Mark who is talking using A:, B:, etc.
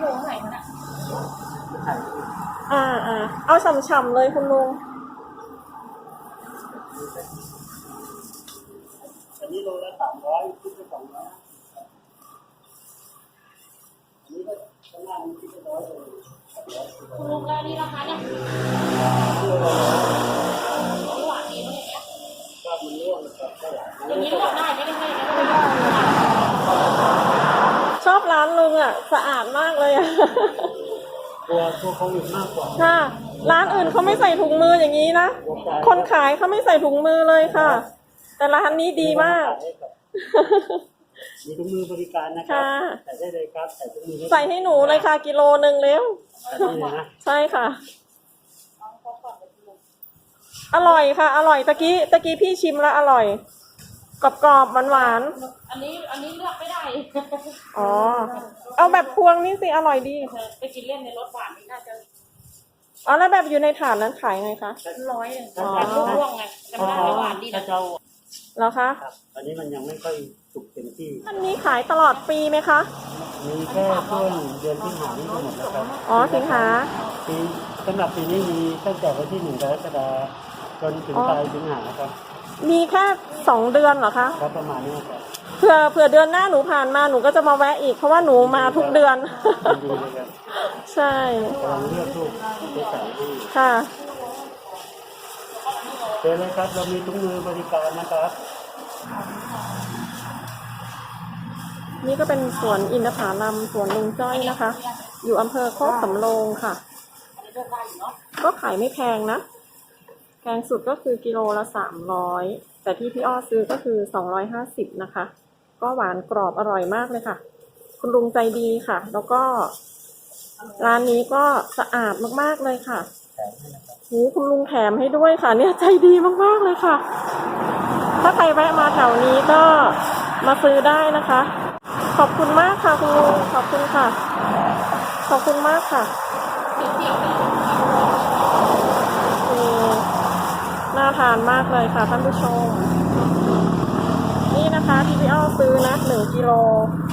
A: โลเท่าไหร่คะเนี่ย
B: เอาฉ่ำๆเลยคุณลุง
C: อันนี้โลละ300คิดไป200อันนี้ก็ข้างล่างนี้คิดไป100เลย
A: คุณลุงแล้วนี่ราคาเนี่ยหวานดีมั้งเนี่ย
C: ก็มันร่วงกับเท่าไหร่
A: อย่างนี้หวานได้ไม่ได้ให้นะ
B: ชอบร้านลุงอ่ะสะอาดมากเลยอ่ะ
C: ตัวโควิดมากกว่า
B: ค่ะร้านอื่นเขาไม่ใส่ถุงมืออย่างนี้นะคนขายเขาไม่ใส่ถุงมือเลยค่ะแต่ร้านนี้ดีมาก
C: มีถุงมือบริการนะครับใส่ได้เลยครับใส่ถุงมือ
B: ใส่ให้หนูเลยค่ะกิโลนึงเร็วใช่ค่ะอร่อยค่ะอร่อยตะกี้พี่ชิมแล้วอร่อยกรอบๆหวาน
A: ๆอันนี้เลือกไม่ได้
B: อ๋อเอาแบบพวงนี่สิอร่อยดี
A: ไปกินเล่นในรถหวานนี่น่าจะ
B: อ๋อแล้วแบบอยู่ในถาดนั้นขายไงคะ
A: 100แบบร่วงไงจำได้หวานดีนะ
B: แล้วคะ
C: อันนี้มันยังไม่ค่อยสุกเต็มที่
B: อันนี้ขายตลอดปีไหมคะ
C: มีแค่ช่วงเดือนสิงหาคมนี่หมดแล้วครับ
B: อ๋อสิงหา
C: ปีสำหรับปีนี้มีตั้งแต่วันที่1 กรกฎาคมจนถึงปลายสิงหาครับ
B: มีแค่2 เดือนเหรอคะ
C: ครับประมาณนี้ครับ
B: เผื่อเดือนหน้าหนูผ่านมาหนูก็จะมาแวะอีกเพราะว่าหนูมาทุกเดือนใช่
C: กำลังเลือกลูกไปใส่ที่
B: ค่ะ
C: เจอเลยครับเรามีถุงมือบริการนะครับ
B: นี่ก็เป็นสวนอินทผลัมสวนลุงจ้อยนะคะอยู่อำเภอโคกสำโรงค่ะก็ขายไม่แพงนะแพงสุดก็คือกิโลละ300แต่ที่พี่อ้อซื้อก็คือ250นะคะก็หวานกรอบอร่อยมากเลยค่ะคุณลุงใจดีค่ะแล้วก็ร้านนี้ก็สะอาดมากๆเลยค่ะคุณลุงแถมให้ด้วยค่ะเนี่ยใจดีมากๆเลยค่ะถ้าใครแวะมาแถวนี้ก็มาซื้อได้นะคะขอบคุณมากค่ะคุณลุงขอบคุณค่ะขอบคุณมากค่ะน่าทานมากเลยค่ะท่านผู้ชมนี่นะคะที่พี่อ้อซื้อนะ1 กิโล